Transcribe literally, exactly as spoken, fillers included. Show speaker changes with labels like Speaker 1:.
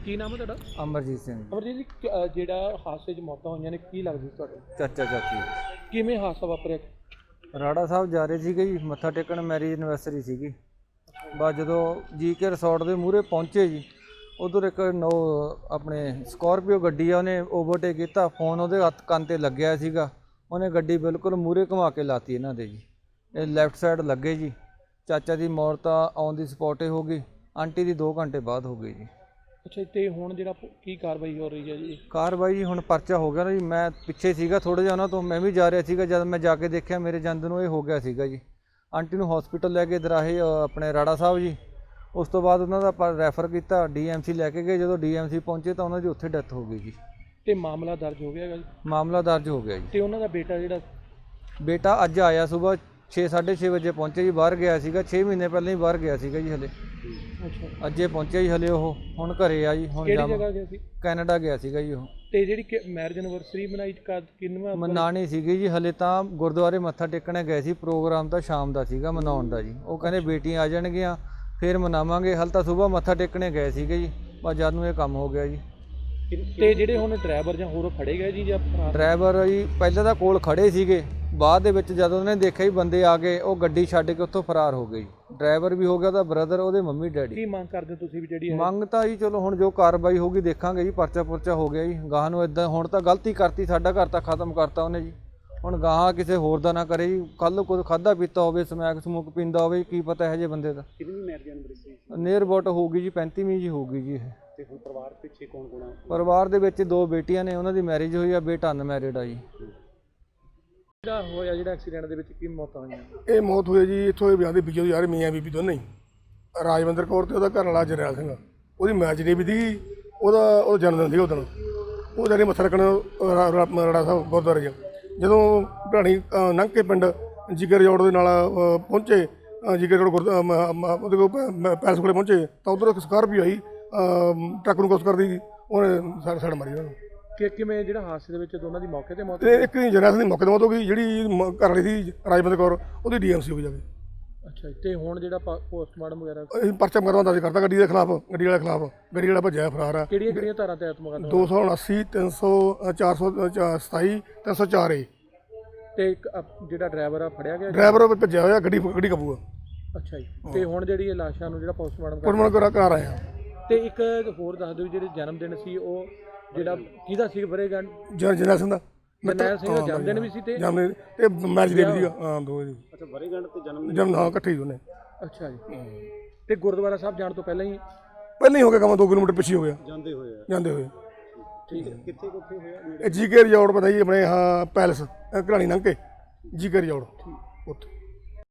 Speaker 1: ਕੀ ਨਾਮ ਹੈ ਤੁਹਾਡਾ?
Speaker 2: ਅਮਰਜੀਤ ਸਿੰਘ।
Speaker 1: ਅਮਰਜੀਤ ਜੀ, ਜਿਹੜਾ ਹਾਦਸੇ 'ਚ ਮੌਤਾਂ ਹੋਈਆਂ ਨੇ, ਕੀ ਲੱਗਦੀ ਤੁਹਾਨੂੰ?
Speaker 2: ਚਾਚਾ ਚਾਚੀ
Speaker 1: ਕਿਵੇਂ ਹਾਦਸਾ ਵਾਪਰਿਆ?
Speaker 2: ਰਾੜਾ ਸਾਹਿਬ ਜਾ ਰਹੇ ਸੀਗੇ ਜੀ, ਮੱਥਾ ਟੇਕਣ, ਮੈਰਿਜ ਐਨਵਰਸਰੀ ਸੀਗੀ। ਬਸ ਜਦੋਂ ਜੀ ਕੇ ਰਿਸੋਰਟ ਦੇ ਮੂਹਰੇ ਪਹੁੰਚੇ ਜੀ, ਉਧਰ ਇੱਕ ਨੋ ਆਪਣੇ ਸਕੋਰਪੀਓ ਗੱਡੀ ਆ, ਉਹਨੇ ਓਵਰਟੇਕ ਕੀਤਾ। ਫੋਨ ਉਹਦੇ ਹੱਥ ਕੰਨ 'ਤੇ ਲੱਗਿਆ ਸੀਗਾ, ਉਹਨੇ ਗੱਡੀ ਬਿਲਕੁਲ ਮੂਹਰੇ ਘੁਮਾ ਕੇ ਲਾਤੀ ਇਹਨਾਂ ਦੇ ਜੀ। ਇਹ ਲੈਫਟ ਸਾਈਡ ਲੱਗੇ ਜੀ। ਚਾਚਾ ਦੀ ਮੌਤ ਤਾਂ ਔਨ ਦੀ ਸਪੌਟ ਹੀ ਹੋ ਗਈ, ਆਂਟੀ ਦੀ ਦੋ ਘੰਟੇ ਬਾਅਦ ਹੋ ਗਈ ਜੀ।
Speaker 1: ਅੱਛਾ, ਤੇ ਹੁਣ ਜਿਹੜਾ ਕੀ ਕਾਰਵਾਈ ਹੋ ਰਹੀ ਹੈ ਜੀ?
Speaker 2: ਕਾਰਵਾਈ ਹੁਣ ਪਰਚਾ ਹੋ ਗਿਆ ਨਾ ਜੀ। ਮੈਂ ਪਿੱਛੇ ਸੀਗਾ ਥੋੜ੍ਹਾ ਜਿਹਾ ਉਹਨਾਂ ਤੋਂ, ਮੈਂ ਵੀ ਜਾ ਰਿਹਾ ਸੀਗਾ। ਜਦ ਮੈਂ ਜਾ ਕੇ ਦੇਖਿਆ ਮੇਰੇ ਜਾਂਦੇ ਨੂੰ ਇਹ ਹੋ ਗਿਆ ਸੀਗਾ ਜੀ। ਆਂਟੀ ਨੂੰ ਹਸਪੀਟਲ ਲੈ ਕੇ ਦਰਾਹੇ ਆਪਣੇ ਰਾੜਾ ਸਾਹਿਬ ਜੀ। ਉਸ ਤੋਂ ਬਾਅਦ ਉਹਨਾਂ ਦਾ ਆਪਾਂ ਰੈਫਰ ਕੀਤਾ, ਡੀ ਐਮ ਸੀ ਲੈ ਕੇ ਗਏ। ਜਦੋਂ ਡੀ ਐਮ ਸੀ ਪਹੁੰਚੇ ਤਾਂ ਉਹਨਾਂ ਦੀ ਉੱਥੇ ਡੈਥ ਹੋ ਗਈ ਜੀ।
Speaker 1: ਤੇ ਮਾਮਲਾ ਦਰਜ ਹੋ ਗਿਆ ਹੈਗਾ ਜੀ?
Speaker 2: ਮਾਮਲਾ ਦਰਜ ਹੋ ਗਿਆ ਜੀ।
Speaker 1: ਤੇ ਉਹਨਾਂ ਦਾ ਬੇਟਾ ਜਿਹੜਾ?
Speaker 2: ਬੇਟਾ ਅੱਜ ਆਇਆ ਸੁਬਾਹ ਛੇ ਸਾਢੇ ਛੇ ਵਜੇ ਪਹੁੰਚੇ ਜੀ। ਬਾਹਰ ਗਿਆ ਸੀਗਾ, ਛੇ ਮਹੀਨੇ ਪਹਿਲਾਂ ਹੀ ਬਾਹਰ ਗਿਆ ਸੀਗਾ ਜੀ। ਹਲੇ
Speaker 1: ਅੱਛਾ,
Speaker 2: ਅੱਜੇ ਪਹੁੰਚਿਆ ਜੀ। ਹਲੇ ਉਹ ਹੁਣ ਘਰੇ ਆ ਜੀ। ਹੁਣ
Speaker 1: ਕਿਹੜੀ ਜਗ੍ਹਾ ਗਿਆ ਸੀ?
Speaker 2: ਕੈਨੇਡਾ ਗਿਆ ਸੀਗਾ ਜੀ ਉਹ।
Speaker 1: ਤੇ ਜਿਹੜੀ ਮੈਰਿਜ ਐਨਵਰਸਰੀ ਮਨਾਈ ਕਿੰਨਵਾਂ?
Speaker 2: ਮਨਾਣੀ ਸੀਗੀ ਜੀ। ਹਲੇ ਤਾਂ ਗੁਰਦੁਆਰੇ ਮੱਥਾ ਟੇਕਣੇ ਗਏ ਸੀ। ਪ੍ਰੋਗਰਾਮ ਤਾਂ ਸ਼ਾਮ ਦਾ ਸੀਗਾ ਮਨਾਉਣ ਦਾ ਜੀ। ਉਹ ਕਹਿੰਦੇ ਬੇਟੀਆਂ ਆ ਜਾਣਗੀਆਂ ਫਿਰ ਮਨਾਵਾਂਗੇ। ਹਲ ਤਾਂ ਸੁਬਾਹ ਮੱਥਾ ਟੇਕਣੇ ਗਏ ਸੀਗੇ ਜੀ, ਬਸ ਜਦ ਨੂੰ ਇਹ ਕੰਮ ਹੋ ਗਿਆ ਜੀ।
Speaker 1: ਤੇ ਜਿਹੜੇ ਹੁਣ ਡਰਾਈਵਰ ਜਾਂ ਹੋਰ ਫੜੇ ਗਏ ਜੀ ਜਾਂ?
Speaker 2: ਡਰਾਈਵਰ ਜੀ ਪਹਿਲਾਂ ਤਾਂ ਕੋਲ ਖੜੇ ਸੀਗੇ, ਬਾਅਦ ਦੇ ਵਿੱਚ ਜਦੋਂ ਉਹਨੇ ਦੇਖਿਆ ਹੀ ਬੰਦੇ ਆ ਗਏ, ਉਹ ਗੱਡੀ ਛੱਡ ਕੇ ਉੱਥੋਂ ਫਰਾਰ ਹੋ ਗਏ ਜੀ। ਡਰਾਈਵਰ ਵੀ ਹੋ ਗਿਆ, ਉਹਦਾ ਬ੍ਰਦਰ, ਉਹਦੇ ਮੰਮੀ ਡੈਡੀ।
Speaker 1: ਕੀ ਮੰਗ ਕਰਦੇ ਤੁਸੀਂ ਵੀ ਜਿਹੜੀ?
Speaker 2: ਮੰਗ ਤਾਂ ਜੀ ਚਲੋ ਹੁਣ ਜੋ ਕਾਰਵਾਈ ਹੋਊਗੀ ਦੇਖਾਂਗੇ ਜੀ। ਪਰਚਾ ਪੁਰਚਾ ਹੋ ਗਿਆ ਜੀ। ਗਾਹਾਂ ਨੂੰ ਇਦਾਂ ਹੁਣ ਤਾਂ ਗਲਤੀ ਕਰਤੀ, ਸਾਡਾ ਘਰ ਤਾਂ ਖਤਮ ਕਰਤਾ ਉਹਨੇ ਜੀ। ਹੁਣ ਗਾਹਾਂ ਕਿਸੇ ਹੋਰ ਦਾ ਨਾ ਕਰੇ ਜੀ। ਕੱਲ੍ਹ ਕੁਝ ਖਾਧਾ ਪੀਤਾ ਹੋਵੇ, ਸਮੈਕ ਸਮੂਕ ਪੀਂਦਾ ਹੋਵੇ, ਕੀ ਪਤਾ ਇਹੋ ਜਿਹੇ ਬੰਦੇ ਦਾ।
Speaker 1: ਕਿੰਨੀ ਮੈਰਿਜ ਐਨਵਰਸਰੀ? ਨੀਅਰ
Speaker 2: ਅਬਾਊਟ ਹੋਊਗੀ ਜੀ ਪੈਂਤੀਵੀਂ ਜੀ ਹੋਊਗੀ ਜੀ ਇਹ।
Speaker 1: ਤੇ ਹੁਣ ਪਰਿਵਾਰ ਪਿੱਛੇ ਕੌਣ ਕੌਣ ਆ?
Speaker 2: ਪਰਿਵਾਰ ਦੇ ਵਿੱਚ ਦੋ ਬੇਟੀਆਂ ਨੇ, ਉਹਨਾਂ ਦੀ ਮੈਰਿਜ ਹੋਈ ਆ, ਬੇਟਾ ਅਨਮੈਰਿਡ ਆ ਜੀ।
Speaker 1: ਜਿਹੜਾ ਹੋਇਆ ਜਿਹੜਾ ਐਕਸੀਡੈਂਟ ਦੇ ਵਿੱਚ ਕੀ ਮੌਤਾਂ ਹੋਈਆਂ?
Speaker 3: ਇਹ ਮੌਤ ਹੋਈ ਜੀ ਇੱਥੋਂ ਇਹ ਵਿਆਹ ਦੇ ਵਿੱਚੋਂ ਯਾਰ ਮੀਆਂ ਬੀਬੀ ਦੋਨੇ ਹੀ। ਰਾਜਵਿੰਦਰ ਕੌਰ ਤੇ ਉਹਦਾ ਘਰ ਵਾਲਾ ਜਰਨੈਲ ਸਿੰਘ, ਉਹਦੀ ਮੈਚ ਡੇ ਵੀ ਦੀ, ਉਹਦਾ ਉਹਦਾ ਜਨਮ ਦਿਨ ਸੀ ਉਦੋਂ। ਉਹ ਜਾਨੀ ਮੱਥਾ ਰੱਖਣ ਰਾੜਾ ਸਾਹਿਬ ਗੁਰਦੁਆਰੇ 'ਚ ਜਦੋਂ ਢਾਣੀ ਲੰਘ ਕੇ ਪਿੰਡ ਜਿਗਰ ਜੋੜ ਦੇ ਨਾਲ ਪਹੁੰਚੇ, ਜਿਗਰ ਜੋੜ ਗੁਰ ਉਹਦੇ ਕੋਲ ਪੈਲਸ ਕੋਲੇ ਪਹੁੰਚੇ ਤਾਂ ਉੱਧਰ ਇੱਕ ਸਕਾਰਪੀਓ ਆਈ, ਟਰੱਕ ਨੂੰ ਕੁਛ ਕਰਦੀ, ਉਹਨੇ ਸੜ ਸੜ ਮਾਰੀ ਉਹਨਾਂ ਨੂੰ।
Speaker 1: ਕਿ ਕਿਵੇਂ ਜਿਹੜਾ ਹਾਦਸੇ ਦੇ ਵਿੱਚ ਦੋਨਾਂ ਦੀ ਮੌਕੇ ਤੇ ਮੌਤ?
Speaker 3: ਤੇ ਇੱਕ ਜਰਨੈਲ ਸਿੰਘ ਦੀ ਮੌਕੇ ਤੇ ਮੌਤ ਹੋ ਗਈ, ਜਿਹੜੀ ਘਰ ਵਾਲੀ ਸੀ ਰਾਜਵਿੰਦਰ ਕੌਰ ਉਹਦੀ ਡੀ ਐਮ ਸੀ ਹੋ ਜਾਵੇ।
Speaker 1: ਅੱਛਾ, ਤੇ ਹੁਣ ਜਿਹੜਾ ਪੋਸਟਮਾਰਟਮ ਵਗੈਰਾ?
Speaker 3: ਅਸੀਂ ਪਰਚਾ ਮੁਕੱਦਮਾ ਦਰਜ ਕਰਤਾ ਗੱਡੀ ਦੇ ਖਿਲਾਫ, ਗੱਡੀ ਵਾਲੇ ਖਿਲਾਫ। ਗੱਡੀ ਵਾਲਾ ਭੱਜਿਆ ਫਰਾਰ ਆ।
Speaker 1: ਕਿਹੜੀਆਂ ਕਿਹੜੀਆਂ ਧਾਰਾਂ ਤਹਿਤ ਮੁਕੱਦਮਾ?
Speaker 3: ਦੋ ਸੌ ਉਨਾਸੀ, ਤਿੰਨ ਸੌ, ਚਾਰ ਸੌ ਸਤਾਈ, ਤਿੰਨ ਸੌ ਚਾਰ ਏ।
Speaker 1: ਤੇ ਇੱਕ ਜਿਹੜਾ ਡਰਾਈਵਰ ਆ ਫੜਿਆ ਗਿਆ?
Speaker 3: ਡਰਾਈਵਰ ਭੱਜਿਆ ਹੋਇਆ, ਗੱਡੀ ਗੱਡੀ ਕਾਬੂ ਆ।
Speaker 1: ਅੱਛਾ ਜੀ। ਤੇ ਹੁਣ ਜਿਹੜੀ ਇਹ ਲਾਸ਼ਾਂ ਨੂੰ ਜਿਹੜਾ ਪੋਸਟਮਾਰਟਮ
Speaker 3: ਪੋਸਟਮਾਰਟਮ ਕਰਾ ਕਰਾ ਰਹੇ ਆ।
Speaker 1: ਤੇ ਇੱਕ ਹੋਰ ਦੱਸ ਦਿਓ, ਜਿਹੜੇ ਜਨਮ ਦਿਨ ਸੀ ਉਹ ਜਿਹੜਾ ਕਿਹਦਾ ਸੀ? ਵਰੇਗੰਢ
Speaker 3: ਜਰਨੈਲ ਸਿੰਘ ਦਾ।
Speaker 1: ਜਰਨੈਲ ਸਿੰਘ ਦਾ ਜਨਮ ਦਿਨ ਵੀ ਸੀ ਤੇ
Speaker 3: ਜਨਮ ਤੇ ਮੈਰਿਜ ਡੇ ਵੀ ਸੀਗਾ। ਹਾਂ, ਦੋ ਜੀ।
Speaker 1: ਅੱਛਾ, ਵਰੇਗੰਢ ਤੇ ਜਨਮ
Speaker 3: ਜਨਮ ਹਾਂ ਇਕੱਠੇ ਹੀ ਦੋਨੇ।
Speaker 1: ਅੱਛਾ ਜੀ। ਤੇ ਗੁਰਦੁਆਰਾ ਸਾਹਿਬ ਜਾਣ ਤੋਂ ਪਹਿਲਾਂ ਹੀ?
Speaker 3: ਪਹਿਲਾਂ ਹੀ ਹੋ ਗਿਆ ਕੰਮ, ਦੋ ਕਿਲੋਮੀਟਰ ਪਿੱਛੇ ਹੋ ਗਿਆ
Speaker 1: ਜਾਂਦੇ ਹੋਏ ਆ?
Speaker 3: ਜਾਂਦੇ ਹੋਏ।
Speaker 1: ਠੀਕ ਹੈ। ਕਿੱਥੇ ਕਿੱਥੇ ਹੋਇਆ?
Speaker 3: ਇਹ ਜੀ ਕੇ ਰਿਜ਼ੋਰਟ ਪਤਾ ਜੀ ਆਪਣੇ, ਹਾਂ ਪੈਲਸ ਘਰਾਣੀ ਲੰਘ ਕੇ ਜੀ ਕੇ ਰਿਜ਼ੋਰਟ ਉੱਥੇ।